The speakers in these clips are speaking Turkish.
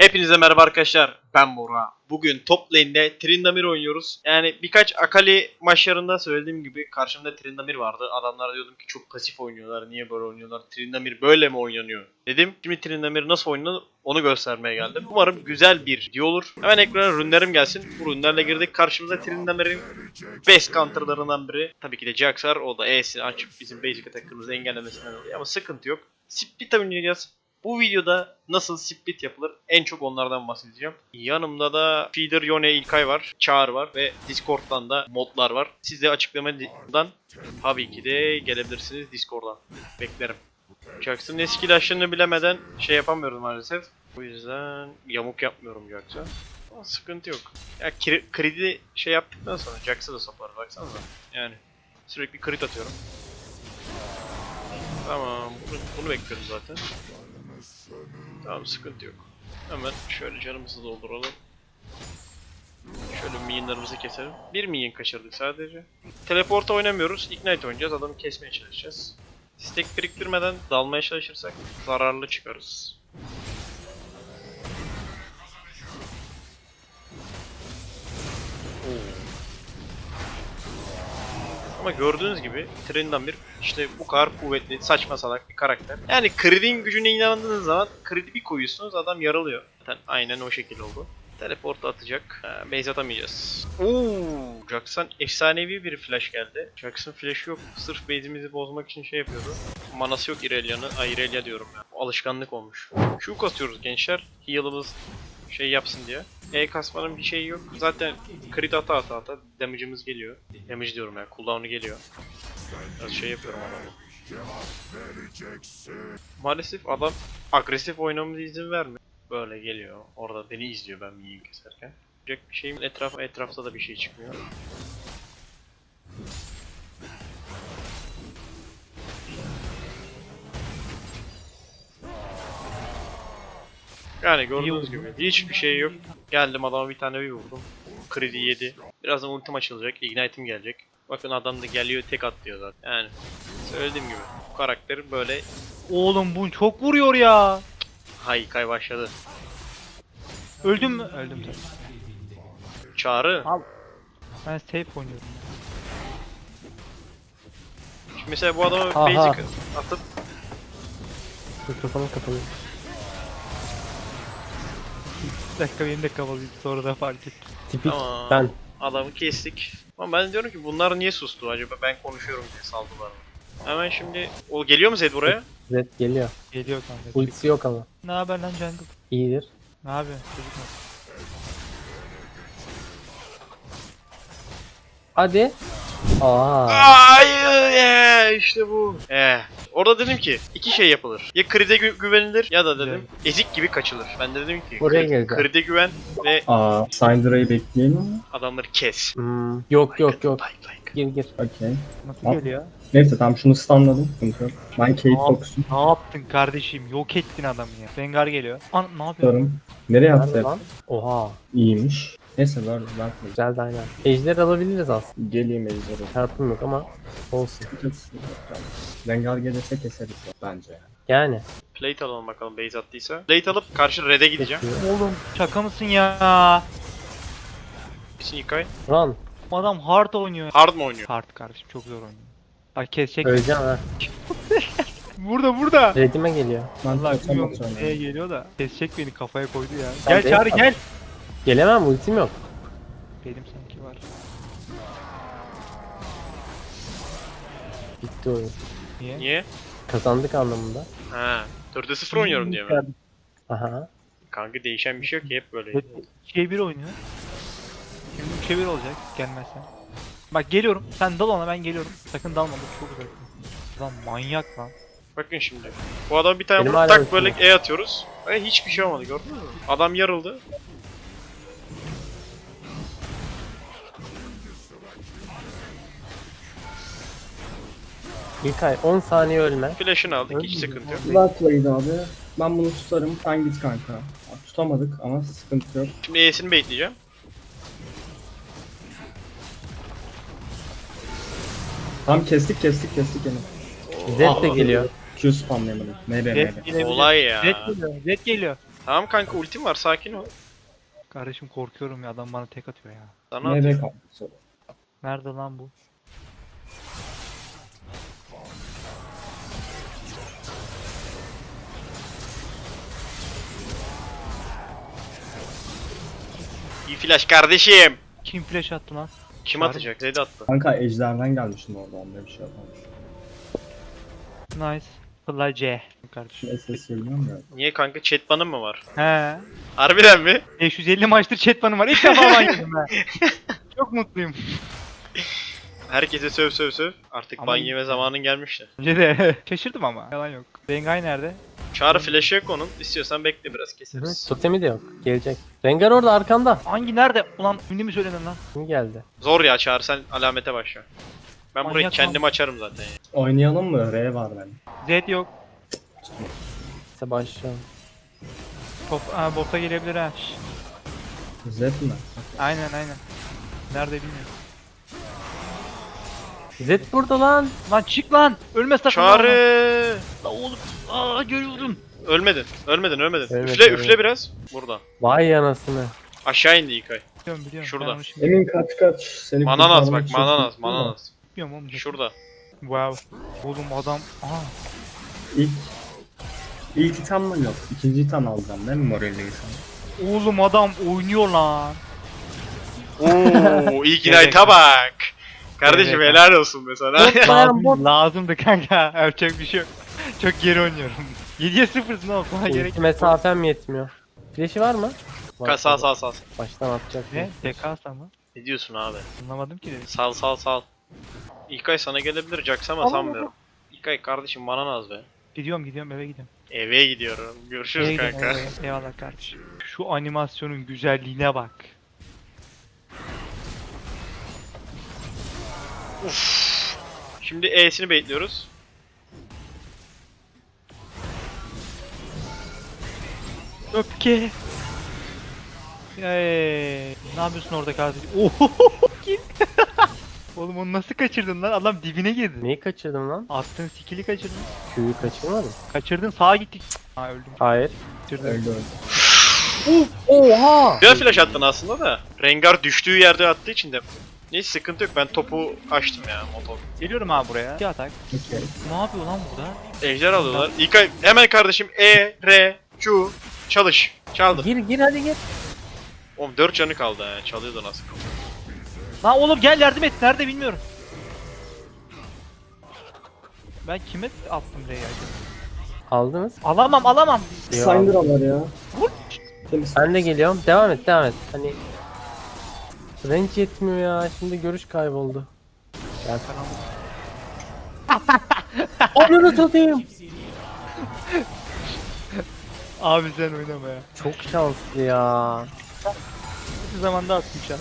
Hepinize merhaba arkadaşlar. Ben Bora. Bugün top lane'de Tryndamere oynuyoruz. Yani birkaç Akali maçlarında söylediğim gibi karşımda Tryndamere vardı. Adamlara diyordum ki çok pasif oynuyorlar. Niye böyle oynuyorlar? Tryndamere böyle mi oynanıyor? Dedim. Şimdi Tryndamere nasıl oynanır onu göstermeye geldim. Umarım güzel bir video olur. Hemen ekrana rünlerim gelsin. Bu rünlerle girdik. Karşımıza Tryndamere'in best counterlarından biri. Tabii ki de Jax var. O da E'sini açıp bizim basic attack'ımızı engellemesinden dolayı. Ama sıkıntı yok. Split oynayacağız. Bu videoda nasıl split yapılır en çok onlardan bahsedeceğim. Yanımda da Feeder Yone İlkay var, Çağrı var ve Discord'dan da modlar var. Siz de açıklamadan tabii ki de gelebilirsiniz Discord'dan. Beklerim. Jax'ın eski laşlarını bilemeden şey yapamıyorum maalesef. O yüzden yamuk yapmıyorum Jax'a. Ama sıkıntı yok. Ya kredi şey yaptıktan sonra Jax'a da sapar baksanıza. Yani sürekli crit atıyorum. Tamam, bunu bekliyorum zaten. Tamam, sıkıntı yok. Hemen şöyle canımızı dolduralım. Şöyle minyonlarımızı keselim. Bir minyon kaçırdık sadece. Teleporta oynamıyoruz. Ignite oynayacağız. Adamı kesmeye çalışacağız. Stack biriktirmeden dalmaya çalışırsak zararlı çıkarız. Ama gördüğünüz gibi Tryndamere işte bu kadar kuvvetli, saçma salak bir karakter. Yani Creed'in gücüne inandığınız zaman Creed'i bir koyuyorsunuz, adam yaralıyor. Zaten aynen o şekilde oldu. Teleport'a atacak. Base atamayacağız. Jax'tan efsanevi bir flash geldi. Jax'ın flash'ı yok. Sırf base'imizi bozmak için şey yapıyordu. Manası yok Irelia'nın. Irelia diyorum ya. Alışkanlık olmuş. Q kasıyoruz gençler. Heal'ımız şey yapsın diye. Kasmanın bir şeyi yok. Zaten crit ata damage'ımız geliyor. Damage diyorum ya. Cooldown'u geliyor. Biraz şey yapıyorum adamı. Maalesef adam agresif oynamamıza izin vermiyor. Böyle geliyor. Orada beni izliyor ben minyon keserken. Bir şeyim etrafta da bir şey çıkmıyor. Yani gördüğünüz gibi hiçbir şey yok. Geldim adama bir tane bir vurdum. Kredi yedi. Birazdan ultim açılacak. Ignite'im gelecek. Bakın adam da geliyor tek atlıyor zaten. Yani söylediğim gibi bu karakter böyle. Oğlum bu çok vuruyor ya. Haykay başladı. Öldüm mü? Öldüm tabii. Çağrı. Al. Ben safe oynuyorum. Şimdi mesela bu adama Aha. basic atıp Mikrofonum kapalı. Bir dakika benim de kapalıydı sonra da fark ettim. Tipik Tamam. ben. Adamı kestik. Ama ben diyorum ki bunlar niye sustu acaba, ben konuşuyorum diye saldılar mı? Hemen şimdi o geliyor mu Zed buraya? Zed geliyor. Geliyor kanka. Ultisi yok ama. Ne haber lan jungle? İyidir. Ne yapıyorsun çocuklar? Hadi. Aa. Ay işte bu. Orada dedim ki iki şey yapılır. Ya Creed'e güvenilir ya da dedim ezik gibi kaçılır. Ben de dedim ki Oraya geleceğim. Creed'e güven ve Syndra'yı bekleyelim mi? adamları kes. Yok yok yok. Like. Gir. Okey. Nasıl Tamam. geliyor? Neyse tamam şunu stunladım. Sıkıntı yok. Ben Kate Tamam. Fox'um. Ne yaptın kardeşim? Yok ettin adamı ya. Rengar geliyor. Ne yapıyorsun? Tutarım. Nereye Nerede attı? lan? Oha. İyiymiş. Neyse böyle ben Güzeldi aynen. Ejder alabiliriz aslında. geleyim ejderha. Çarpım yok ama olsun. Rengar gelirse keseriz bence yani. Yani. Plate alalım bakalım base attıysa. Plate alıp karşı red'e gideceğim. Oğlum şaka mısın ya? Kesin İlkay. Run. Bu adam hard oynuyor. Hard mı oynuyor? Hard kardeşim çok zor oynuyor. Bak kesecek. Öleceğim ha. Burada. Redime geliyor. Ben Allah kaçamak bilmiyorum sonra. neye geliyor da kesecek beni kafaya koydu ya. Sen Gel de Çağrı yap. gel. Gelemem ultim yok. Benim sanki var. Bitti oyun. Niye? Niye? Kazandık anlamında. Ha. 4'e 0 oynuyorum diye mi? Aha. Kanka değişen bir şey yok ki, hep böyle. 3'e 1 oynuyor. Şimdi 3'e 1 olacak gelmezsen. Bak geliyorum. Sen dal ona, ben geliyorum. Sakın dalma, bu çok uzak. Lan manyak lan. Bakın şimdi. Bu adam bir tane Benim vurup hala tak böyle ultim E atıyoruz. Ve hiçbir şey olmadı, gördün mü? Adam yarıldı. İlkay 10 saniye ölme. Flash'ını aldık, hiç Öyle mi? sıkıntı yok. Güzel play'di abi. Ben bunu tutarım. Sen git kanka. Tutamadık ama sıkıntı yok. Şimdi E'sini bekleyeceğim. Tam kestik yani. Zed de geliyor. Q spamlayamadım. Nere. Red gelebilir. Olay ya. Red geliyor. Tamam kanka ultim var sakin ol. Kardeşim korkuyorum ya, adam bana tek atıyor ya. Sana Nereye atıyor. kaldı? Nerede lan bu? İyi flash kardeşim. Kim flash attı lan? Kim Çağrı atacak? Zed attı. Kanka ejderden gelmiştim orada, onda bir şey yapmamış. Nice. Fly C. Kardeşim. Şimdi SS bilmiyorum ya. Niye kanka chat banım mı var? He. Harbiden mi? 550 maçtır chat banım var. İlk defa ban yedim ben. Çok mutluyum. Herkese söv söv söv. Artık Ama- ban yeme zamanın gelmişti. Önce de şaşırdım ama. Yalan yok. Rengay nerede? Çağrı flash'ı yok onun. İstiyorsan bekle biraz keseriz. Totemi de yok. Gelecek. Rengar orada arkanda. Hangi nerede? Ulan ünlü mü söyledin lan? Kim geldi? Zor ya Çağrı sen alamete başla. Ben burayı Manyak kendim lan. açarım zaten ya. Oynayalım mı? R var benim. Z yok. İşte başlayalım. Top, bota gelebilir ha. Şş. Z mi? Aynen aynen. Nerede bilmiyorum. Zed burada lan. Lan çık lan! Ölme sakın. Çağrı! La oğlum. Aa görüyorum. Ölmedin. Ölmedin ölmedin. Ölmedim, üfle ölmedim. üfle biraz. Burada. Vay anasını. Aşağı indi İlkay. Biliyorum. Şurada. Ben onu şimdi Emin kaç kaç. Seni Mananas kurtarmak bak için mananas çıktım da. mananas. bilmiyorum oğlum. Şurada. Wow. Oğlum adam. Aa. İlk item mi yok? İkinci item alacağım değil mi moraliysen? Oğlum adam oynuyor lan. Oo ilk Knight'a bak. Kardeşim Evet. helal olsun mesela. Lazımdı kanka. Yapacak bir şey yok. Çok geri oynuyorum. 7'ye 0'sın oğlum. Sana gerek Ulti mesafem yetmiyor. Flash'i var mı? Var. Sal sal sal. Baştan atacak. Ne? TK mı? Ne diyorsun abi? Anlamadım ki dedim. Sal sal sal. İlkay sana gelebilir Jax ama sanmıyorum. İlkay kardeşim bana naz be. Gidiyorum eve gidiyorum. Eve gidiyorum. Görüşürüz Eve gidiyorum, kanka. eve. Eyvallah kardeşim. Şu animasyonun güzelliğine bak. Şimdi E'sini bekliyoruz. Öpke. Ne yapıyorsun orada kardeşim? Oho kim? Oğlum onu nasıl kaçırdın lan? Adam dibine girdi. Neyi kaçırdım lan? Attığın skill'i kaçırdın. Q'yu kaçırmadım. Kaçırdın sağa gittik. Ha öldüm. Hayır. Kaçırdın. Öldü öldü. Oha! Güzel flash attın aslında da. Rengar düştüğü yerde attığı için de. Neyse sıkıntı yok ben topu açtım ya motor. Geliyorum abi buraya. İki atak. Okey. Ne yapıyor lan burada? Ejder alıyorlar. İlkay hemen kardeşim E, R, Q çalış. Çaldım. Gir hadi gir. Oğlum 4 canı kaldı ha. Çalıyordu nasıl. Lan oğlum gel yardım et. Nerede bilmiyorum. Ben kime attım R'yi acaba? Aldınız. Alamam. Syndra var ya. Vur. Temiz. Ben de geliyorum. Devam et. Hani range yetmiyor ya. Şimdi görüş kayboldu. Gel. Onu tutayım. Abi sen oynama ya. Çok şanslı ya. Hiçbir zamanda attım şu an.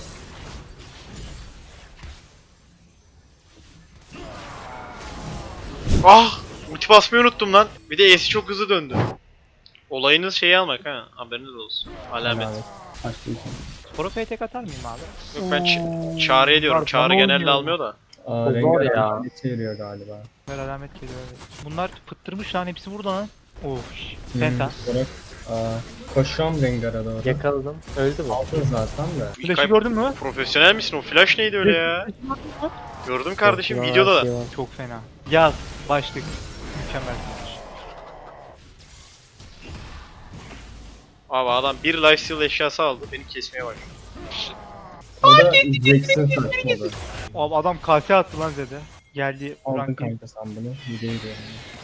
Ah! Ulti basmayı unuttum lan. Bir de E'si çok hızlı döndü. Olayınız şeyi almak ha. Haberiniz olsun. Alamet. Açtı item. Profe'ye tek atar mıyım abi? Yok ben Çağrı'ya diyorum. Bunlar Çağrı bana genelde oynuyor. almıyor da. Aa, O Rengar zor ya. alamet çeviriyor galiba. Ver alamet geliyor evet. Bunlar fıttırmış lan hepsi burada lan. Of. Penta. Bırak. Koşuyorum Rengar'a doğru. Yakaladım. Öldü bu. Aldın zaten de. Flash'ı İlkay, gördün mü? profesyonel misin? O flash neydi öyle ya? Gördüm kardeşim videoda da. Çok fena. Yaz. Başlık. Mükemmel. Abi adam bir lifesteal eşyası aldı. Beni kesmeye başladı. O da Jackson saçmalı. Abi adam kase attı lan Zed'e. Geldi. Aldın Frank kanka sen bunu. Yüzeyi de.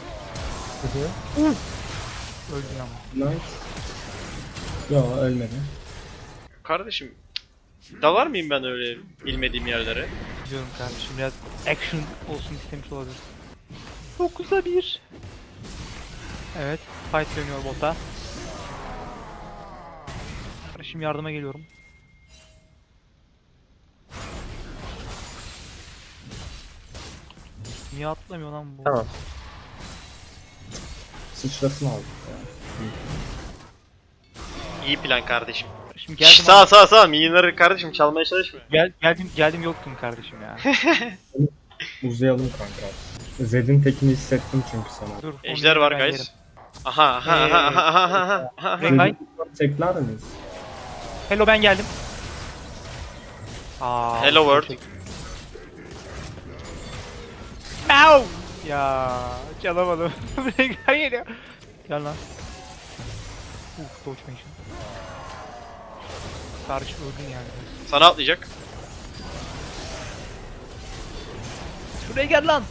öldün ama. Nice. Yo ölmedi. Kardeşim dalar mıyım ben öyle bilmediğim yerlere? Biliyorum kardeşim biraz action olsun istemiş olabilir. 9'a 1. Evet. Fight dönüyor bota. Kardeşim yardıma geliyorum. Niye atlamıyor lan bu? Tamam. Sıçrasını aldık ya. İyi plan kardeşim. Şimdi Şşş, geldim abi. sağ minyonları kardeşim çalmaya çalışma. Geldim yoktun kardeşim ya. Uzayalım kanka. Zed'in tekini hissettim çünkü sana. Dur. Ejder onu var ben guys. yerim. Aha aha aha aha aha aha. Rekay. Tekler miyiz? Hello ben geldim. Aa, Hello world. Au! Ya çalamadım. Rekay geliyor. Gel lan. Dodge mention. Karşı öldün yani. Sana atlayacak. Şuraya gel lan.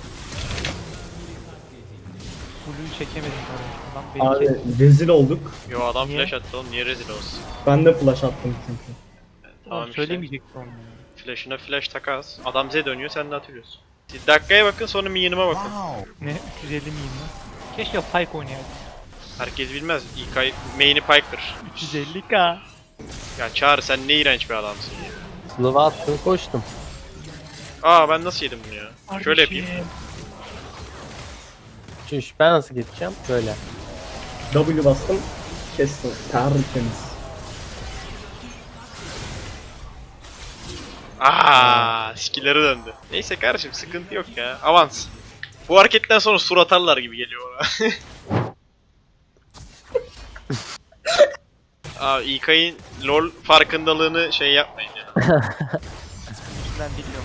Blue'yu çekemedim kardeşim. Lan beni Abi kes. rezil olduk. Yo adam Niye? flash attı oğlum, niye rezil olsun? Ben de flash attım çünkü. Tamam işte. Söylemeyecektim onu. Flash'ına flash takas. Adam Z dönüyor, sen de atıyorsun. Siz dakikaya bakın, sonra minyonuma bakın. Ne? 350 miyim lan? Keşke Pyke oynayaydım. Herkes bilmez. İlk ay main'i Piker. 350k. Ya Çağrı, sen ne iğrenç bir adamsın ya. Slow'a attım koştum. Aa ben nasıl yedim bunu ya? Şöyle yapayım. Çüş ben nasıl geçeceğim? Böyle. W bastım. Kestim. Tertemiz. Skill'leri döndü. Neyse kardeşim, sıkıntı yok ya. Avans. Bu hareketten sonra sur atarlar gibi geliyor bana. İlkay'ın LoL farkındalığını şey yapmayın ya. Ben bilmiyorum.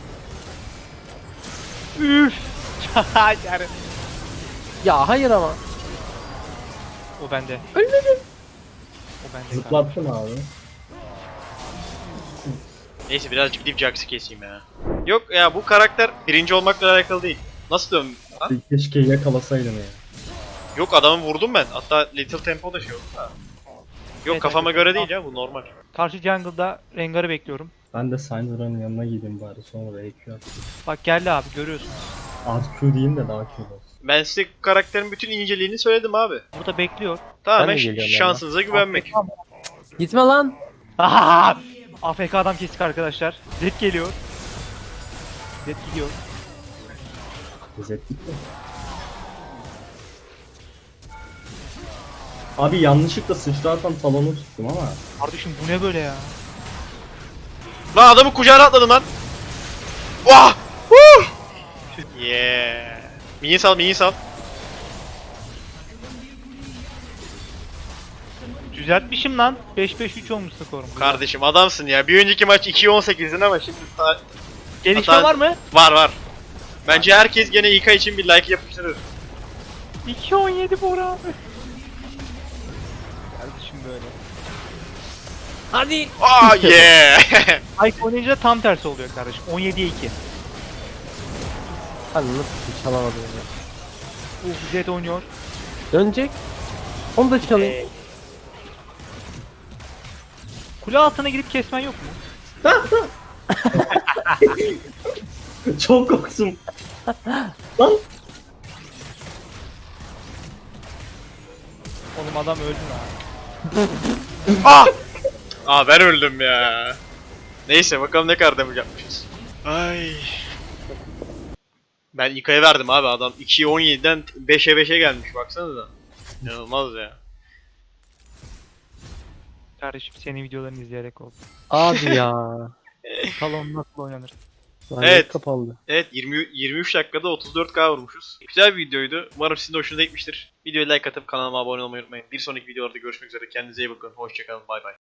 Üf. Yani. Ya hayır ama. O bende. Ölmedim. O bende. Zıplattım abi. Neyse birazcık gidip Jax'ı keseyim ya. Yok ya, bu karakter birinci olmakla alakalı değil. Nasıl dön? Ha? Keşke yakalasaydım ya. Yok, adamı vurdum ben. Hatta Little Tempo da şey oldu da. Yok Evet, kafama evet. göre değil ya, bu normal. Karşı jungle'da Rengar'ı bekliyorum. Ben de Syndra'nın yanına gideyim bari, sonra EQ atayım. Bak geldi abi görüyorsun. RQ diyeyim de daha Q olsun. Ben size karakterin bütün inceliğini söyledim abi. Burada bekliyor. Tamamen Ben de geliyorum şansınıza güvenmek. Gitme lan. Ahaha! AFK adam kestik arkadaşlar. Zed geliyor. Zed gidiyor. İzzettik mi? Abi yanlışlıkla sıçrarsam salonu tuttum ama. Kardeşim bu ne böyle ya? Lan adamı kucağına atladın lan. Vah! Woo! Yeah. Mini sal, mini sal. Düzeltmişim lan. 5-5-3 olmuş skorum. Kardeşim adamsın ya. Bir önceki maç 2-18'din ama şimdi Gelişme hata- var mı? var. Bence herkes gene İK için bir like yapıştırır. 2-17 Bora abi. Kardeşim böyle. Hadi. Yeah. Pyke oynayınca tam tersi oluyor kardeşim. 17'ye 2. Hani nasıl bir çalamadım ya. Zed oynuyor. Dönecek. Onu da çalayım. Kule altına gidip kesmen yok mu? Çok korktum. Lan. Oğlum adam öldü lan. Ben öldüm ya. Neyse bakalım ne kadar damage yapmışız. Ay. Ben İK'ya verdim abi, adam 2'ye 17'den 5'e 5'e gelmiş, baksanıza. İnanılmaz ya. Kardeşim senin videolarını izleyerek oldu. Abi ya. Salon nasıl oynanır? Lanet Evet. kapandı. Evet 23 dakikada 34k vurmuşuz. Güzel bir videoydu. Umarım sizin de hoşunuza gitmiştir. Videoya like atıp kanalıma abone olmayı unutmayın. Bir sonraki videolarda görüşmek üzere. Kendinize iyi bakın. Hoşçakalın. Bay bay.